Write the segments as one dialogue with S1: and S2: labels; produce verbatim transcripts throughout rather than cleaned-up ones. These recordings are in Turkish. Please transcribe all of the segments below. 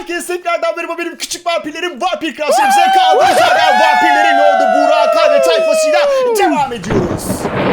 S1: Herkese tekrardan merhaba, benim küçük vampirlerim Vampir Kraliçemize kaldığımız yerden vampirlerin ordu Burak Akan ve tayfasıyla devam ediyoruz.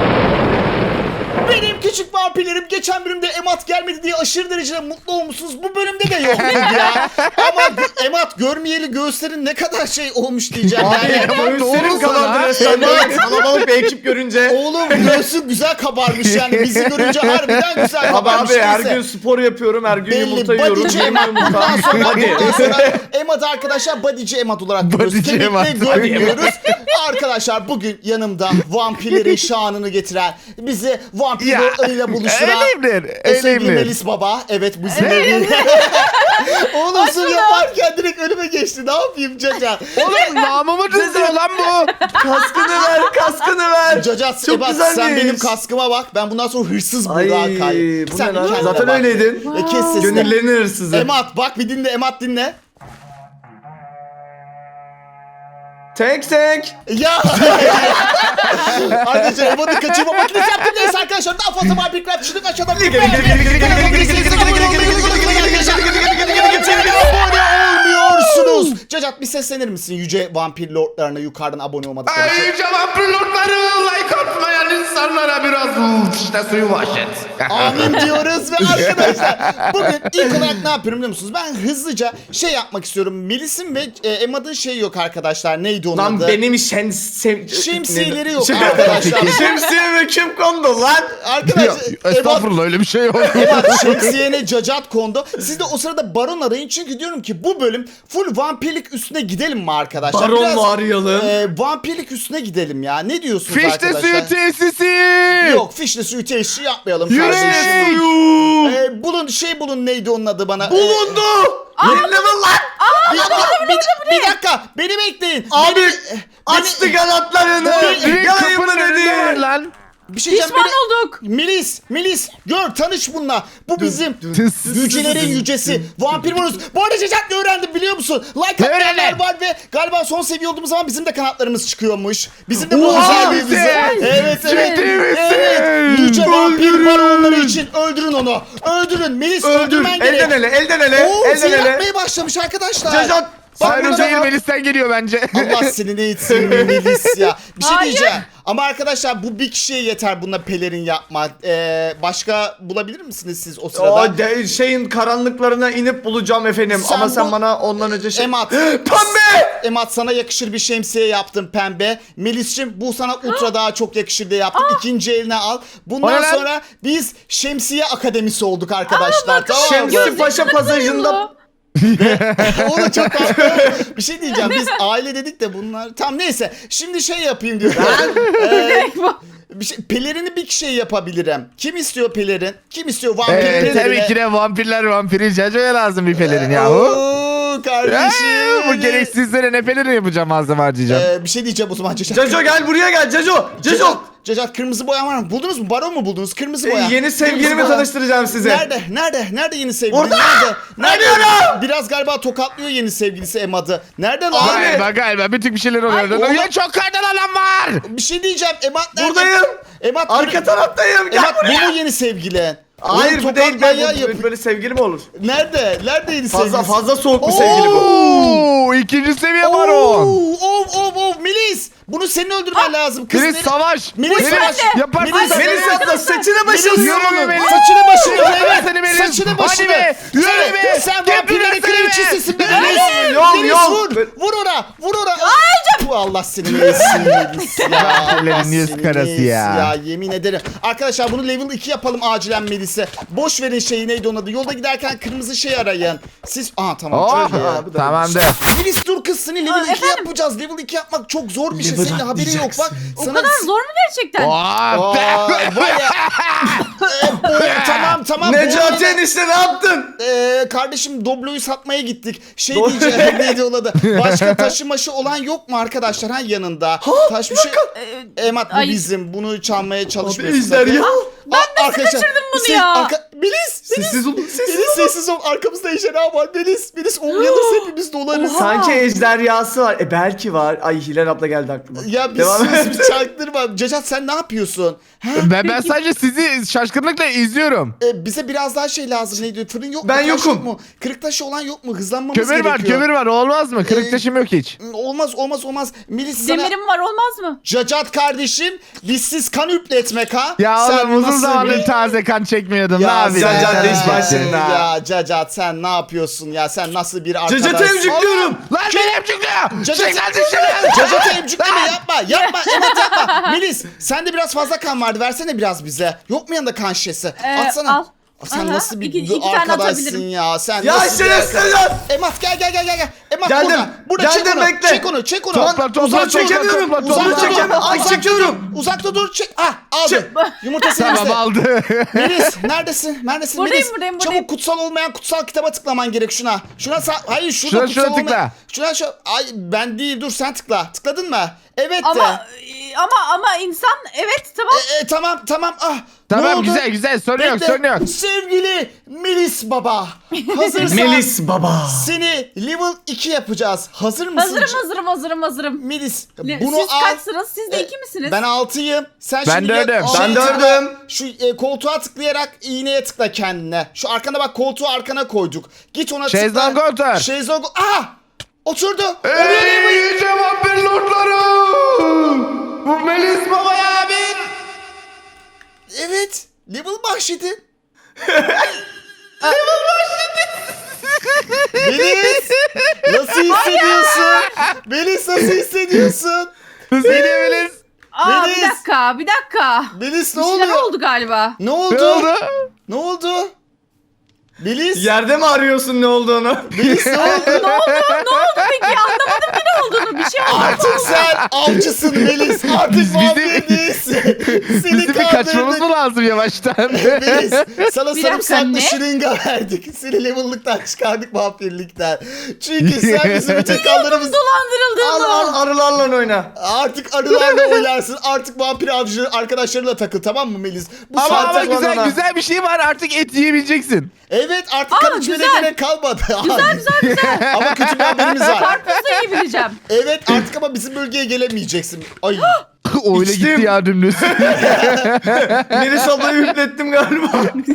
S1: Benim küçük vampirlerim, geçen bölümde Emat gelmedi diye aşırı derecede mutlu olmuşsunuz. Bu bölümde de yok ya. Ama Emat görmeyeli göğüslerin ne kadar şey olmuş diyeceğim.
S2: Abi
S1: Yani.
S2: göğüslerim kabardı resmen. Böyle kalabalık bir ekip görünce.
S1: Oğlum göğsün güzel kabarmış yani, bizi görünce harbiden güzel
S2: Abi
S1: kabarmış.
S2: abi her
S1: Neyse.
S2: gün spor yapıyorum, her gün
S1: Belli,
S2: yumurta yiyorum.
S1: bodyci
S2: Yeni
S1: Emat.
S2: yumurta.
S1: Bundan sonra,
S2: Hadi.
S1: bundan sonra Emat arkadaşlar bodyci Emat olarak görüyoruz.
S3: Bodyci
S1: Kemikle
S3: Emat.
S1: görmüyoruz. Arkadaşlar bugün yanımda vampirlerin şanını getiren, bizi vampirleriyle buluşturan
S3: Öyleyimdir.
S1: sevgili
S3: Öyleyimdir.
S1: Melis Baba. Evet, bizimle bir... Oğlum sır yaparken direkt önüme geçti. Ne yapayım Caca?
S3: Oğlum namımı düzdür lan bu.
S2: Kaskını ver, kaskını ver.
S1: Caca
S2: Çok
S1: Ebat,
S2: güzelmiş.
S1: sen benim kaskıma bak. Ben bundan sonra hırsız
S2: Ay
S1: Burak Kay.
S2: bu
S1: Sen
S2: ne lan?
S1: kendine
S2: Zaten
S1: bak.
S2: öyleydin.
S1: E, kes sesini.
S2: Gönüllerin hırsızı.
S1: Emat bak, bir dinle Emat, dinle.
S2: Tek tek.
S1: Ya arkadaşlar, Emat'ı kaçırma makinesi yaptım. Neyse arkadaşlar, daha fazla vampir kraliçelik aşağıdan olmuyorsunuz. Cacat, bir seslenir misin yüce vampir lordlarına yukarıdan abone olmadıkları için?
S3: Ayrıca vampir lordları like atmayan insanlara biraz işte suyu vahşet.
S1: Amin diyoruz ve arkadaşlar bugün ilk olarak ne yapıyorum biliyor musunuz? Ben hızlıca şey yapmak istiyorum. Melis'in ve e, Emad'ın şeyi yok arkadaşlar. Neydi onun
S2: Lan
S1: adı?
S2: benim şen... Sem...
S1: Şemsiyeleri yok
S2: Şey-
S1: arkadaşlar.
S2: Şemsiyeme kim kondu lan?
S1: Arkadaşlar Emad,
S3: Estağfurullah, öyle bir şey yok.
S1: Emad şemsiyene cacat kondu. Siz de o sırada baron arayın, çünkü diyorum ki bu bölüm full vampirlik üstüne gidelim mi arkadaşlar?
S2: Baron
S1: Biraz,
S2: mu arayalım?
S1: e, vampirlik üstüne gidelim ya. Ne diyorsunuz
S3: Fişte
S1: arkadaşlar?
S3: suyu tesisi.
S1: Yok, fişle suyu tesisi yapmayalım
S3: Yürek
S1: kardeşim.
S3: suyu.
S1: E, bulun şey bulun, neydi onun adı bana? E,
S2: Bulundu. Yeni level lan.
S1: Bir, bir, bir, bir dakika, beni bekleyin.
S2: Abi
S1: Beni-
S2: açtı
S1: beni-
S2: kanatlarını.
S3: Direkt
S2: Yalayın
S3: kapının
S2: mı
S3: önünde var
S2: dedi?
S3: lan.
S1: Bir şey diyeceğim,
S4: Pişman
S1: beni-
S4: olduk.
S1: Melis, Melis gör, tanış bununla. Bu bizim
S3: Tıs.
S1: yücelerin yücesi. Vampir Bonus. Bu arada Cacat, ne öğrendim biliyor musun? Like
S3: Ne
S1: atmayanlar
S3: öğrendin?
S1: var ve galiba son seviye olduğumuz zaman bizim de kanatlarımız çıkıyormuş. Bizim de bu
S3: Oha,
S1: özelliğimiz.
S3: bize.
S1: Evet, evet.
S3: Ciddi misin?
S1: Evet. Yüce vampir baronları için öldürün onu. Öldürün. Melis,
S2: Öldür.
S1: öldürmen gerek.
S2: Elden ele, elden ele,
S1: Oo,
S2: elden
S1: zehir
S2: ele.
S1: atmaya başlamış arkadaşlar.
S2: Cacat.
S1: Bak,
S3: Sayın
S1: burada-
S3: değil, Melis'ten geliyor bence.
S1: Allah seni ne etsin Melis ya. Bir şey
S4: Hayır.
S1: diyeceğim. Ama arkadaşlar bu bir kişiye yeter bununla pelerin yapma. Ee, başka bulabilir misiniz siz o sırada?
S2: O de, şeyin karanlıklarına inip bulacağım efendim.
S1: Sen
S2: Ama sen
S1: bu-
S2: bana ondan önce şey...
S1: Emat.
S2: Pembe!
S1: Emat, sana yakışır bir şemsiye yaptım pembe. Melis'cim, bu sana ultra daha çok yakışır diye yaptım. İkinci eline al.
S3: O
S1: Bundan
S3: ne lan?
S1: sonra biz şemsiye akademisi olduk arkadaşlar. Tamam mı?
S2: Şemsi Paşa pasajında...
S1: Oğlum çok tatlı. Bir şey diyeceğim. Biz aile dedik de bunlar... Tam neyse. Şimdi şey yapayım diyorum. Ee, bir şey, pelerini bir kişiye yapabilirim. Kim istiyor pelerin? Kim istiyor vampir
S3: Ee,
S1: pelerini?
S3: tabii ki de vampirler vampiri Caco'ya lazım bir pelerin yahu.
S1: Oo, kardeşim.
S3: Ee, bu gereksizlere ne pelerin yapacağım, malzeme harcayacağım.
S1: Ee, bir şey diyeceğim o zaman. Cacat.
S2: Caco gel buraya gel Caco. Caco.
S1: Cacat, kırmızı boya var mı? Buldunuz mu? Baron mu buldunuz? Kırmızı
S2: Ee,
S1: boya.
S2: yeni sevgilimi
S1: Kırmızı boya.
S2: tanıştıracağım size.
S1: Nerede? Nerede? Nerede yeni sevgili?
S2: Orada!
S1: Nerede? Nerede?
S2: Arıyorum!
S1: Biraz galiba tokatlıyor yeni sevgilisi Emad'ı. Nerede lan?
S2: Abi!
S3: Galiba galiba bütün bir şeyler oluyor.
S1: oğlum.
S3: Ya çok kardan alan var.
S1: Bir şey diyeceğim. Emad nerede?
S2: Buradayım.
S1: Emad
S2: Arka taraftayım. Gel
S1: Emad, bu
S2: buraya.
S1: mu yeni sevgilin?
S2: Hayır
S1: Oğlum,
S2: bu değil.
S1: tokat manyağı
S2: Ben,
S1: yap-
S2: bu, böyle sevgili mi olur?
S1: Nerede? Nerede yeni
S2: Fazla
S1: sevgilisi?
S2: fazla soğuk bir
S1: Oo!
S2: sevgili bu.
S3: Oo, ikinci seviye baron.
S1: Oo, Of of of Melis. Bunu senin öldürmen lazım. Kız
S3: Melis
S1: Melis-
S3: savaş.
S1: Melis savaş.
S3: Yaparsın
S1: Melis-
S3: sen.
S2: Melis abla saçını başını
S1: Melis,
S2: yürü
S3: yürü Melis.
S1: Saçını başını
S3: Yürü seni
S1: evet.
S3: Melis.
S1: Saçını
S3: Hadi
S1: başını.
S3: be, yürü
S1: Sen-
S3: be.
S1: Sen
S3: Gel
S1: vampirlerin
S3: buraya,
S1: kraliçesisin be
S3: Melis.
S1: Melis.
S2: Yol,
S1: Melis
S2: yol.
S1: vur. Vur ona. Vur ona. Bu Allah seni ne etsin Melis ya.
S3: Vampirlerin
S1: Allah
S3: yüz
S1: seni
S3: karası
S1: ne etsin
S3: ya.
S1: Ya yemin ederim. Arkadaşlar bunu level iki yapalım acilen Melis'e. Boş verin şeyi, neydi onun adı. Yolda giderken kırmızı şey arayın. Siz... Aha tamam.
S3: Oh,
S1: şöyle ya.
S3: tamamdır.
S1: Melis dur kız, seni level
S4: Aa,
S1: iki
S4: efendim?
S1: yapacağız. Level iki yapmak çok zor bir şey.
S2: Level
S1: Senin haberin yok bak.
S4: O kadar zor mu gerçekten?
S3: Oh,
S1: Aa, var ya. Ee, bu- tamam tamam. bu
S2: Necati
S1: arada-
S2: enişte ne yaptın?
S1: Ee, kardeşim Doblo'yu satmaya gittik. Şey
S2: Do-
S1: diyeceğim neydi o adı? Başka taşı maşı olan yok mu arkadaşlar ha yanında? Taş bir şey. Emat bu
S4: Ay.
S1: bizim. Bunu çalmaya çalışmıyorsun.
S2: ejder
S1: sakın.
S2: ya.
S1: Ben nasıl
S4: kaçırdım bunu ya?
S1: Arka... Melis!
S2: Sessiz olun. Sessiz
S1: Melis sessiz ol. Arkamızda ejderha var. Melis. Melis o uyanırsa hepimiz dolarız.
S4: Oha.
S2: Sanki ejderhası var. E belki var. Ay Hilal abla geldi aklıma.
S1: Ya bir
S2: Devam
S1: sus
S2: et.
S1: bir çaktırma. Cacat sen ne yapıyorsun? Ha?
S3: Ben, ben sadece sizi şaşkınlıkla izliyorum.
S1: E, bize biraz daha şey lazım. Neydi? Fırın yok mu?
S2: Ben
S1: Taş
S2: yokum.
S1: Yok mu? Kırık taşı olan yok mu? Hızlanmamız
S3: Kömür var
S1: gerekiyor.
S3: kömür var olmaz mı?
S1: Ee,
S3: Kırık taşım yok hiç.
S1: Olmaz olmaz olmaz. Melis sana...
S4: Demirim var olmaz mı?
S1: Cacat kardeşim bizsiz kan üpletmek ha.
S3: Ya
S1: Sen
S3: oğlum uzun
S1: nasıl
S3: zamandır
S1: bir-
S3: taze kan çekmiyordum. Ne
S1: Ya
S3: yapayım?
S2: Cacat
S1: sen-
S2: iş başında.
S1: Ya Cacat sen ne yapıyorsun ya? Sen nasıl bir arkadaşsın?
S2: Cacat'ı emcikliyorum.
S3: Lan beni emcikliyor.
S1: Cacat-
S3: Çek lan dışarı.
S1: Cacat'ı emcikleme yapma. Yapma. Emat yapma. Melis sende biraz fazla kan vardı. Versene biraz bize. Yok mu yanında kan şişesi?
S4: Ee,
S1: Atsana.
S4: al.
S1: Sen
S4: Aha,
S1: nasıl bir
S4: iki- iki tane
S1: arkadaşsın
S4: atabilirim.
S1: ya? Sen
S2: Ya
S1: nasıl bir
S2: şerefsizler.
S1: arkadaş- Emat gel gel gel gel gel. Emat
S2: Geldim.
S1: burada. Burada
S2: Geldim,
S1: çek onu.
S2: bekle.
S1: Çek onu. Çek onu.
S3: Topla, topla,
S1: Uzakta
S3: topla,
S1: dur.
S2: çekemiyorum.
S3: topla,
S1: Uzakta
S3: topla.
S1: dur.
S2: Çekemiyorum. Ay,
S1: Uzakta
S2: çekiyorum.
S1: dur. Uzakta dur. Çek. Ah aldı.
S2: Çek.
S1: Yumurtası
S3: Tamam
S1: bizde.
S3: aldı.
S1: Melis neredesin? Neredesin
S4: Buradayım,
S1: Melis?
S4: buradayım, buradayım.
S1: Çabuk kutsal olmayan kutsal kitaba tıklaman gerek şuna. Şuna sağ... Hayır şurada
S3: Şuna,
S1: kutsal
S3: şuna
S1: olmayan...
S3: tıkla.
S1: Şuna şu... Ay ben değil dur sen tıkla. Tıkladın mı? Evet de.
S4: Ama e, ama ama insan evet tamam.
S1: E, e, tamam tamam ah. Ne
S3: Tamam
S1: oldu?
S3: güzel güzel sorun yok
S1: Bekle.
S3: sorun yok.
S1: Sevgili Melis baba. Hazırsan
S2: Melis baba.
S1: seni level iki yapacağız. Hazır mısın?
S4: Hazırım hazırım hazırım hazırım.
S1: Melis
S4: Le-
S1: bunu
S4: Siz
S1: al.
S4: kaçsınız? Siz de
S1: E,
S4: iki misiniz?
S1: Ben altıyım. Sen
S3: Ben
S1: şimdi
S3: dördüm.
S1: gel-
S2: Ben
S1: şey tıkla.
S2: dördüm.
S1: Şu e, koltuğa tıklayarak iğneye tıkla kendine. Şu arkana bak koltuğu arkana koyduk. Git ona tıkla.
S3: Şezlong otur.
S1: Şezlong. Ah! Oturdu. Oraya ne
S3: Ey yüce vampir lordları. Bu Melis baba abin.
S1: Evet. Level bahşedin. Melis. Nasıl hissediyorsun? Melis nasıl hissediyorsun?
S3: Seni Melis.
S4: Aa
S1: Melis.
S4: bir dakika bir dakika.
S1: Melis ne
S4: Bir şeyler
S1: oluyor?
S4: oldu galiba.
S1: Ne oldu?
S3: Ne oldu?
S1: Ne oldu? Melis.
S2: Yerde mi arıyorsun ne olduğunu?
S1: Melis ne oldu?
S4: ne oldu? Ne oldu peki? Anlamadım ki ne olduğunu. Bir şey oldu.
S1: Artık sen avcısın Melis. Artık
S3: Biz-
S1: vampir
S3: bizim-
S1: değilsin. Seni
S3: Bizim bir kaçmamız
S1: kandırdık.
S3: mı lazım yavaştan?
S1: Melis sana
S4: Bir dakika,
S1: sarımsaklı
S4: ne?
S1: şırınga verdik. Seni level'lıktan çıkardık vampirlikten. Çünkü sen bizim bütün kanlarımız...
S2: Al
S4: Dolandırıldığımı.
S2: al arılarla oyna.
S1: Artık arılarla oynarsın. Artık vampir avcı arkadaşlarıyla takıl tamam mı Melis? Bu
S3: Ama ama
S1: saatten
S3: güzel
S1: sonra-
S3: güzel bir şey var artık et yiyebileceksin.
S1: Evet artık
S4: Aa,
S1: kan içmene
S4: güzel.
S1: gerek kalmadı.
S4: Güzel güzel güzel.
S1: Ama kötü bir haberimiz var.
S4: Karpuz da yiyebileceğim.
S1: Evet artık ama bizim bölgeye gelemeyeceksin. Ay.
S3: Öyle
S2: İçtim.
S3: gitti ya dümdüz.
S2: Melis ablayı üflettim galiba.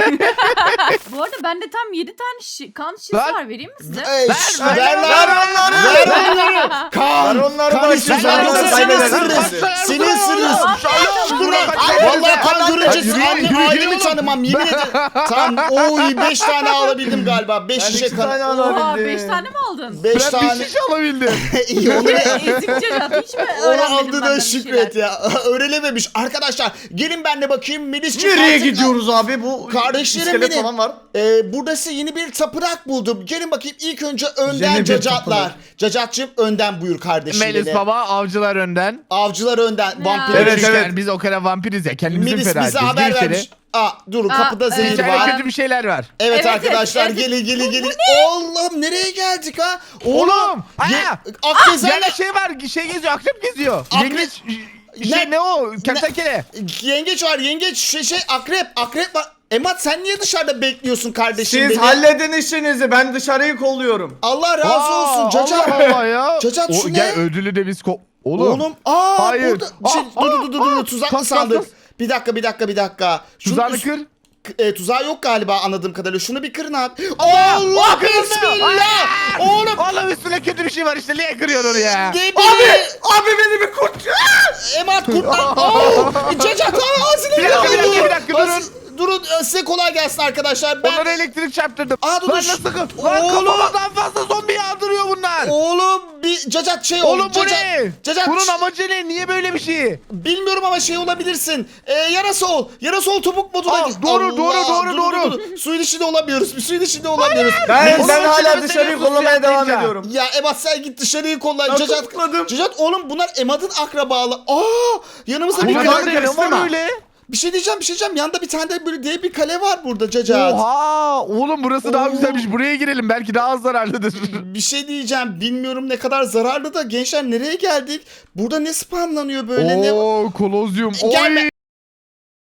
S4: Bu arada bende tam yedi tane şi- kan şişesi
S3: Lan.
S4: var. Vereyim mi size?
S1: Ey, şş,
S3: ver,
S1: ver
S3: ver,
S1: lan.
S2: ver onları.
S1: Ver onları. Kan.
S2: Ver onları
S1: Kan
S2: bak,
S1: istiyorsun.
S2: ver
S1: Yoksa
S2: onları,
S1: senin
S2: kaybeder.
S1: sırrın.
S3: Ver,
S1: Senin
S3: ver,
S1: sırrın.
S3: ver.
S1: Dur lan.
S3: Ver,
S1: Vallahi kan
S3: ver,
S1: görünce
S3: ver, yürü,
S1: anne
S3: yürü, yürü
S1: ailemi
S3: oğlum.
S1: tanımam. Yemin ederim. Tamam. Oy beş tane alabildim galiba. Beş
S2: Ben
S1: şişe
S2: iki tane
S1: kan.
S2: alabildim.
S4: Oha beş tane mi aldın?
S1: Beş
S3: Ben
S1: tane.
S3: bir şiş alabildim.
S1: İyi onu
S4: Ezik Cacat. Hiç mi
S1: Onu
S4: öğrenmedin
S1: aldığına
S4: benden bir
S1: şükret
S4: şeyler?
S1: ya. Öğrenememiş. Arkadaşlar gelin ben de bakayım. Melis'ciğim
S2: Nereye
S1: artık-
S2: gidiyoruz abi? Bu
S1: Kardeşlerim
S2: iskelet
S1: benim.
S2: falan var.
S1: Ee, buradası yeni bir tapınak buldum. Gelin bakayım ilk önce önden
S2: Yeni bir
S1: cacatlar.
S2: tapınak.
S1: Cacatçım önden buyur kardeşim
S3: Melis
S1: benim.
S3: baba avcılar önden.
S1: Avcılar önden. Vampir.
S2: Evet,
S3: Çünkü
S2: evet.
S3: yani biz o kadar vampiriz ya kendimizi
S1: Melis
S3: feda
S1: bize
S3: edeceğiz.
S1: haber
S3: Gir içeri.
S1: vermiş. Aa dur
S4: Aa,
S1: kapıda
S4: evet.
S1: zehir
S3: İçeride
S1: var.
S3: kötü bir şeyler var.
S1: Evet,
S4: Evet,
S1: arkadaşlar
S4: evet, evet.
S1: gelin gelin gelin. Allah'ım nereye geldik ha?
S3: Oğlum!
S1: Ye-
S3: Aa!
S1: Akgezen'le-
S3: Yerde şey var, şey geziyor, akrep geziyor.
S1: Akre-
S3: Yengeç,
S1: Ne?
S3: şey ne o? Kertenkele.
S1: Yengeç var yengeç şey, şey akrep akrep var. Emat sen niye dışarıda bekliyorsun kardeşim
S2: Siz
S1: beni?
S2: halledin işinizi. Ben dışarıyı kolluyorum.
S1: Allah razı
S3: Aa,
S1: olsun Cacat.
S3: Allah Allah ya.
S1: Cacat,
S3: O,
S1: şu ne?
S3: Gel ödülü de biz ko... Oğlum.
S1: Oğlum aa
S3: Hayır.
S1: burada şey,
S3: Aa,
S1: dur dur dur dur
S3: aa,
S1: tuzaklı
S3: kas, kas,
S1: sandık.
S3: kas.
S1: Bir dakika bir dakika bir dakika. Şunu
S3: Tuzağını
S1: üst-
S3: kır.
S1: K- E, tuzağı yok galiba anladığım kadarıyla. Şunu bir kırın abi.
S3: Allah!
S1: Allah
S3: Aa, kırıldı.
S1: bismillah.
S3: Aa!
S1: Oğlum
S3: Oğlum üstüne kötü bir şey var işte. Niye kırıyorsun onu ya?
S1: ne
S2: Abi!
S1: bileyim.
S2: Abi beni bir kurt.
S1: Emat kurtlan. Oo, Cacat ağzını
S3: Bir dakika, bir dakika, bir dakika, durun.
S1: As- Durun e, size kolay gelsin arkadaşlar. Ben
S3: Onlara elektrik çarptırdım.
S1: Aa, dur,
S3: Lan
S1: dur.
S3: nasıl? Lan
S1: Oğlum.
S3: kafamdan fazla zombi yağdırıyor bunlar.
S1: Oğlum bir Cacat şey ol.
S3: Oğlum bu
S1: Cacat,
S3: ne?
S1: Cacat
S3: Bunun amacı ne? Niye böyle bir şey?
S1: bilmiyorum ama şey olabilirsin. E, yarasa ol. Yarasa ol topuk moduna.
S3: Aa,
S1: gir.
S3: doğru,
S1: Allah,
S3: doğru, doğru,
S1: dur,
S3: doğru.
S1: dur, dur. Suyun içinde olamıyoruz. Bir suyun içinde olamıyoruz.
S2: Ben,
S3: Oğlum,
S2: ben
S3: o
S2: hala
S3: çilemesi
S2: dışarıyı
S3: veriyorsun
S2: kollamaya
S3: suya
S2: devam
S3: atlayınca.
S2: ediyorum.
S1: Ya Ebat sen git dışarıyı kolla.
S2: Ben
S1: Cacat,
S2: tutukladım.
S1: Cacat oğlum bunlar Emad'ın akrabalı. Aa yanımızda bir
S2: Bunlar
S1: kale.
S2: da
S3: Bunlar ne
S2: karıştırma.
S3: var öyle?
S1: Bir şey diyeceğim bir şey diyeceğim. Yanında bir tane de böyle dev bir kale var burada Cacat.
S3: Oha! Oğlum burası daha
S1: Oo.
S3: güzelmiş. Buraya girelim. Belki daha az zararlıdır.
S1: Bir şey diyeceğim. Bilmiyorum ne kadar zararlı da gençler nereye geldik? Burada ne spamlanıyor böyle? Ne...
S3: Oo, kolozyum.
S1: Gelme.
S3: Oy!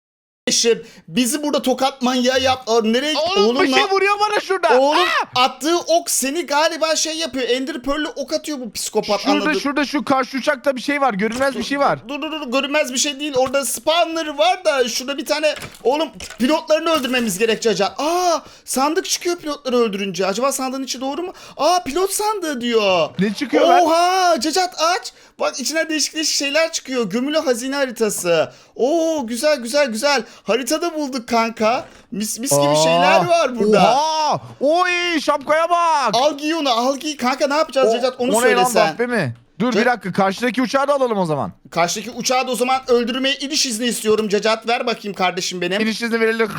S1: bizi burada tokat manyağı yap. Aa, nereye?
S3: Oğlum, bir şey
S1: lan-
S3: vuruyor bana şurada.
S1: Oğlum attığı ok seni galiba şey yapıyor. Ender Pearl'le ok atıyor bu psikopat,
S3: Şurada
S1: anladın?
S3: şurada şu karşı uçakta bir şey var. Görünmez bir şey var.
S1: Dur dur dur, görünmez bir şey değil. Orada spawnları var da şurada bir tane, oğlum pilotlarını öldürmemiz gerek Cacat. Aa, sandık çıkıyor pilotları öldürünce. Acaba sandığın içi doğru mu? Aa, pilot sandığı diyor.
S3: Ne çıkıyor lan?
S1: Oha, Cacat aç. Bak içine değişik değişik şeyler çıkıyor. Gömülü hazine haritası. Oo, güzel güzel güzel. Haritada bulduk kanka. Mis mis gibi
S3: Aa,
S1: şeyler var burada.
S3: Oha! Oy, şapkaya bak.
S1: Al giy onu, al giy. Kanka ne yapacağız Cacat, onu
S3: O ne lan,
S1: söylesen.
S3: Vahbe mi? Dur
S1: Ce-
S3: bir dakika, karşıdaki uçağı da alalım o zaman.
S1: Karşıdaki uçağı da o zaman öldürmeye iniş izni istiyorum Cacat. Ver bakayım kardeşim benim.
S3: İniş izni verelim.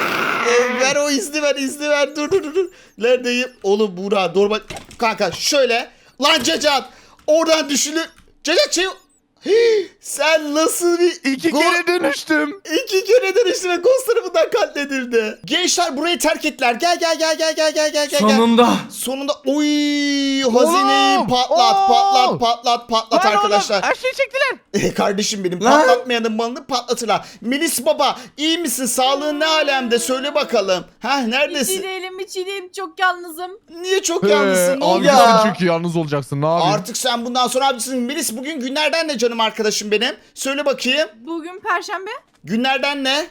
S1: Ee, ver o izni, ver izni ver. Dur dur dur, dur. Neredeyim? Oğlum Buğra doğru bak. Kanka şöyle. Lan Cacat. Oradan düşünün. Cacat şey... Hii, sen nasıl bir...
S3: İki
S1: Go-
S3: kere dönüştüm.
S1: İki kere dönüştü ve Ghost tarafından katledildi. Gençler burayı terk ettiler. Gel gel gel gel gel gel gel gel.
S2: Sonunda.
S1: Sonunda oy hazineyi
S3: Oğlum,
S1: patlat
S3: oo.
S1: patlat patlat patlat
S3: Lan
S1: arkadaşlar.
S3: oğlum, her şeyi çektiler.
S1: E, kardeşim benim,
S2: Lan.
S1: patlatmayanın malını patlatırlar. Melis baba, iyi misin? Sağlığın ne alemde? Söyle bakalım. Ha,
S4: Hiç iyi
S1: neredesin?
S4: değilim, hiç iyi değilim. Çok yalnızım.
S1: Niye çok yalnızsın? Ne oldu?
S3: Abi
S2: ya?
S3: sen çünkü yalnız olacaksın. Ne yapayım?
S1: Artık sen bundan sonra abisin. Melis, bugün günlerden ne canım arkadaşım benim? Söyle bakayım.
S4: Bugün Perşembe.
S1: Günlerden ne?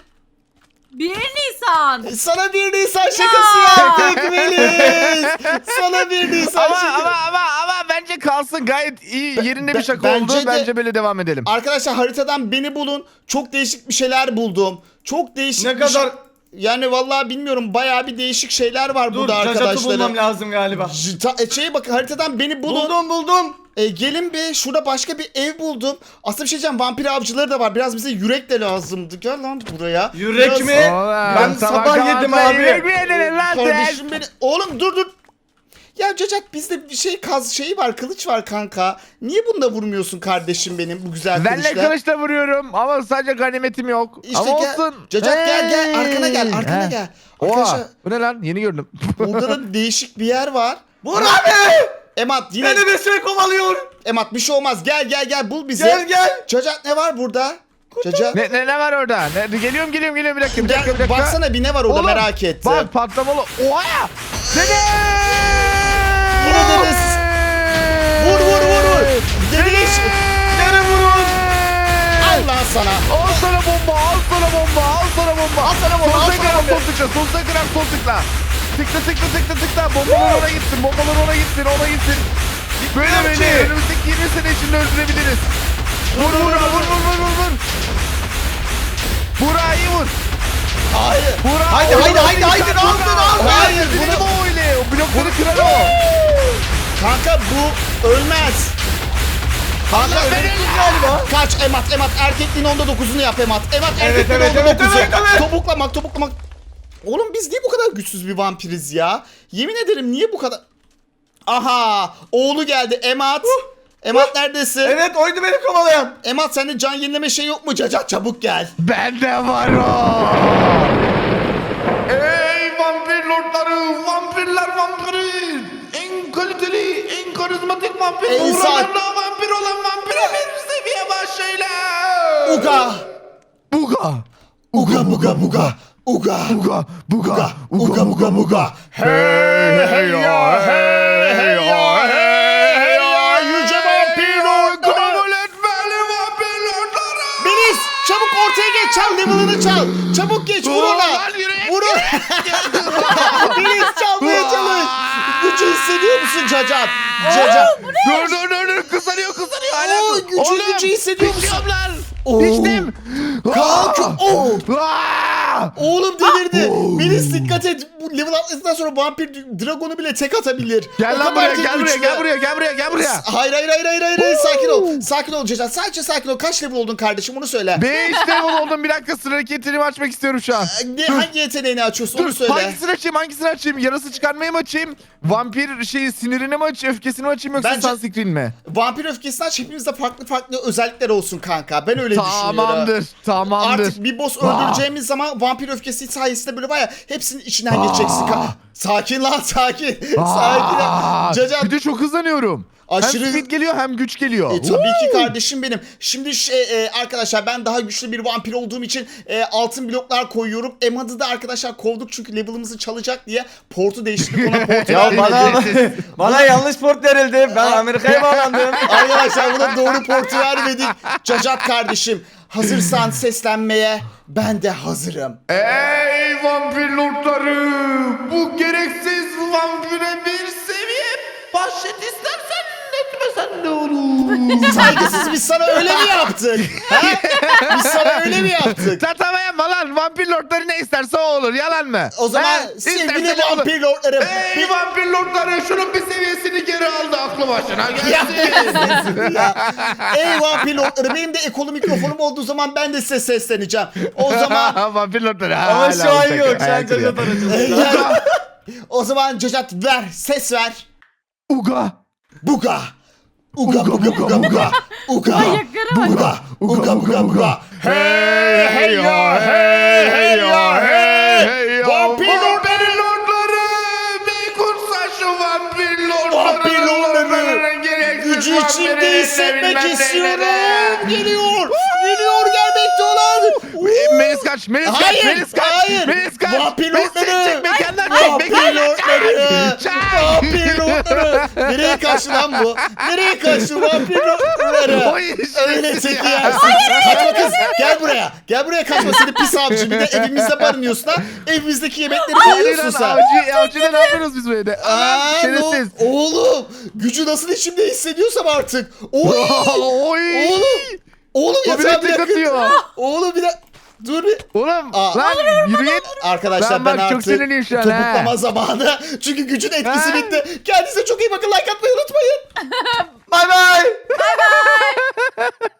S4: bir Nisan.
S1: Sana bir Nisan şakası yaptık Melis. Sana bir Nisan
S3: Ama
S1: şakası.
S3: ama ama ama bence kalsın, gayet iyi yerinde
S1: be-
S3: bir şaka
S1: bence
S3: oldu.
S1: de-
S3: Bence böyle devam edelim.
S1: Arkadaşlar haritadan beni bulun. Çok değişik bir şeyler buldum. Çok değişik
S2: Ne
S1: bir şey-
S2: kadar...
S1: Yani vallahi bilmiyorum, bayağı bir değişik şeyler var
S2: Dur,
S1: burada
S2: Cacat'ı
S1: arkadaşlarım.
S2: bulmam lazım galiba.
S1: J- ta- e, şeye bakın, haritadan beni bulun.
S2: Buldum buldum.
S1: E, gelin be, şurada başka bir ev buldum. Aslında bir şey diyeceğim, vampir avcıları da var. Biraz bize yürek de lazımdı. Gel lan buraya.
S2: Yürek
S1: Biraz-
S2: mi?
S3: Oğlum,
S2: Ben sabah yedim
S3: kahvaltıda
S2: abi.
S3: yemek mi yedin lan sen?
S1: Kardeşim beni... Oğlum dur dur. Ya Cacat, bizde bir şey kaz şeyi var, kılıç var kanka. Niye bunda vurmuyorsun kardeşim benim, bu güzel
S3: Ben de
S1: kılıçla?
S3: kılıçla vuruyorum ama sadece ganimetim yok.
S1: İşte
S3: ama
S1: gel,
S3: olsun.
S1: Cacat gel gel, arkana gel,
S3: Hey.
S1: arkana
S3: He.
S1: gel. Arkadaşlar
S3: Oha, bu ne lan? Yeni gördüm.
S1: burada da değişik bir yer var.
S2: Vur abi.
S1: Emat yine...
S2: Beni bir şey kovalıyor.
S1: Emat bir şey olmaz, gel gel gel, bul bizi.
S2: Gel gel.
S1: Cacat ne var burada? Cacat.
S3: ne, ne, ne var orada? Ne, geliyorum geliyorum geliyorum, bir dakika bir dakika bir
S1: Gel,
S3: dakika.
S1: baksana bir ne var orada,
S3: Oğlum,
S1: merak ettim.
S3: Bak patlamalı. Oha! Dede!
S1: Yine dedesiz. Vur vur vur vur. Deliş.
S2: Gene vurun.
S1: Al lan sana.
S3: Al sana bomba, al sana bomba, al sana bomba.
S1: Al sana bomba, al
S3: Sol
S1: sana
S3: tıkla,
S1: bomba.
S3: sol tıkla, sol tıkla, sol tıkla. Tıkla tıkla tıkla tıkla. Bombalar ona gitsin, bombalar ona gitsin, ona gitsin. Böyle
S2: Gitmiyor
S3: böyle
S2: ki.
S3: önümüzdeki yirmi sene içinde öldürebiliriz. Vur vur vur vur vur vur vur. Burak iyi vur.
S1: Hayır.
S3: Burak.
S2: Haydi, haydi,
S3: oyna,
S2: haydi, haydi,
S3: kanka.
S2: aldın, aldın.
S1: Hayır,
S3: Bizim
S1: bunu-
S3: o öyle. O blokları kırar o.
S1: Kanka bu ölmez. Kanka
S2: Allah
S1: öyle-
S2: verelim galiba.
S1: Kaç Emat, Emat erkekliğin onda dokuzunu yap Emat. Emat
S2: Evet,
S1: erkekliğin
S2: evet,
S1: onda
S2: evet,
S1: dokuzu.
S2: evet, evet.
S1: Topuklamak topuklamak. Oğlum biz niye bu kadar güçsüz bir vampiriz ya? Yemin ederim, niye bu kadar... Aha, oğlu geldi Emat. Emat neredesin?
S2: Evet, oydu beni kovalayan.
S1: Emat, sende can yenileme şey yok mu? Cacat çabuk gel.
S3: Bende var o.
S5: Ey vampir lordları, vampirler vampiri. En kaliteli, en karizmatik vampir.
S1: En
S5: Uğralarla
S1: saat-
S5: vampir olan vampire bir seviye başlayla.
S1: Uga.
S3: Buga.
S1: Uga buga buga. Uga.
S3: Buga. Buga.
S1: Uga buga buga. Hey hey ya, hey hey ya, hey hey ya. Yüce vampir lordları.
S5: Kabul etmeli vampir lordları.
S1: Melis çabuk ortaya geç, çal level'ını çal. Çabuk geç, vur ona.
S5: Lan yürü.
S1: Vur ona. Melis çalmaya çalış. Gücü hissediyor musun Cacat? Cacat.
S3: Dur dur dur dur. Kızarıyor kızarıyor. Hala.
S1: Oo, gücü
S3: Oğlum,
S1: gücü hissediyor musun?
S3: içiyorum lan.
S1: Oo.
S3: İçtim.
S1: Kanka, oo.
S3: Aa!
S1: Oğlum delirdi. Melis dikkat et. Bu level atlasından sonra vampir dragonu bile tek atabilir.
S3: Gel
S1: O
S3: lan
S1: kadar
S3: buraya,
S1: tek
S3: gel buraya,
S1: güçlü.
S3: gel buraya, gel buraya, gel buraya.
S1: Hayır hayır hayır hayır hayır. hayır. Sakin ol. Sakin ol Cacat. Sadece sakin ol. Kaç level oldun kardeşim, onu söyle.
S3: Beş level oldum. Bir dakika, sıra hareketini açmak istiyorum şu an.
S1: Ne, hangi yeteneğini açıyorsun, onu
S3: Dur,
S1: söyle.
S3: hangisini açayım, hangisini açayım? Yarası çıkarmayı mı açayım? Vampir şeyi sinirini mi açayım, öfkesini mi açayım yoksa
S1: Bence-
S3: sunscreen mi?
S1: Vampir öfkesini aç, hepimizde farklı farklı özellikler olsun kanka. Ben öyle düşünüyorum.
S3: Tamamdır, tamamdır.
S1: Artık bir boss öldüreceğimiz zaman vampir öfkesi sayesinde böyle var ya, hepsinin içinden geçeceksin. Ka- Sakin lan sakin.
S3: Aa,
S1: Sakin. Cacat.
S3: Bir de çok hızlanıyorum.
S1: Aşırı-
S3: Hem speed geliyor hem güç geliyor.
S1: E, tabii ki kardeşim benim. Şimdi şey e, arkadaşlar ben daha güçlü bir vampir olduğum için e, altın bloklar koyuyorum. Emad'ı da arkadaşlar kovduk çünkü level'ımızı çalacak diye portu değiştirdik, ona portu
S2: Ya bana,
S1: vermedik.
S2: bana yanlış port verildi. Ben Amerika'ya bağlandım.
S1: Arkadaşlar buna doğru portu vermedik. Cacat kardeşim, hazırsan seslenmeye ben de hazırım.
S5: Ey vampir lordları! Bu gereksiz vampire bir seviye bahşet istersen etmesen ne olur?
S1: Saygısız, biz sana öyle mi yaptık? Ha? Biz sana öyle mi yaptık?
S3: Tatavayanma lan. Vampir lordları ne isterse o olur. Yalan mı?
S1: O zaman
S3: Ha?
S1: sevgili
S3: İsterse ne olur?
S1: vampir lordlarım.
S5: Ey vampir lordları! Şunun bir seviyesini geri aldı aklı başına
S1: Ya,
S5: gelsin.
S1: ya. Ey vampir lordları, benim de ekolu mikrofonum olduğu zaman ben de size sesleneceğim. O zaman
S3: Vampir lordları.
S2: Ama
S3: hala
S2: şu an
S3: ortak
S2: yok. Şu an
S3: hayal kuruyor.
S2: Cacat aracılığında.
S1: yani, o zaman Cacat ver, ses ver.
S3: Uga.
S1: Buga. Uga buga buga buga. Uga.
S4: Ayaklara bak.
S1: Buga. Uga buga buga.
S3: Hey hey ya hey hey ya hey hey ya.
S1: Vampir
S5: Vampir lordları! Bir kursa şu vampir lordları!
S1: Vampir lordları!
S5: Lordların gereksiz
S1: Gücü içimde
S5: vampirleri
S1: hissetmek
S5: bilmem
S1: istiyorum.
S5: neyleri.
S1: Geliyor. Geliyor, gelmekte olan.
S3: E, Melis kaç, Melis kaç,
S1: Hayır,
S3: Melis kaç,
S1: hayır.
S3: Melis kaç.
S1: Vampir
S3: Melis
S1: lordları.
S3: çek, mekandan çek,
S1: Vampir
S3: mekandan
S1: lordları.
S3: çek.
S1: Vampir lordları. Nereye kaçtı lan bu? Nereye kaçtı vampir lordları?
S3: Oy,
S1: Öyle
S3: şerefsiz
S1: teki
S3: ya.
S1: yersin. Kaçma kız. Gel buraya. Gel buraya, kaçma, seni pis avcı. Bir de evimizde barınıyorsun ha. Evimizdeki yemekleri
S3: Hadi
S1: yiyorsun
S3: lan
S1: sen.
S3: avcı, avcıda ne yapıyoruz biz böyle?
S1: Aa,
S3: Aa, şerefsiz.
S1: no- Oğlum, gücü nasıl içimde hissediyorsam artık. Oy.
S3: Oy.
S1: Oğlum. Oğlum
S3: O
S1: ya,
S3: bir
S1: sen
S3: de
S1: bir
S3: tek
S1: dakika.
S3: atıyor.
S1: Oğlum bir dakika. Dur bir.
S3: Oğlum
S1: Aa.
S3: lan yürüyün.
S1: Arkadaşlar
S3: Ben
S1: ben,
S3: bak çok
S1: artık
S3: sinirliyim şu an,
S1: topuklama
S3: ha.
S1: zamanı. Çünkü gücün etkisi
S3: Ha.
S1: bitti. Kendinize çok iyi bakın. Like atmayı unutmayın.
S2: Bay bay.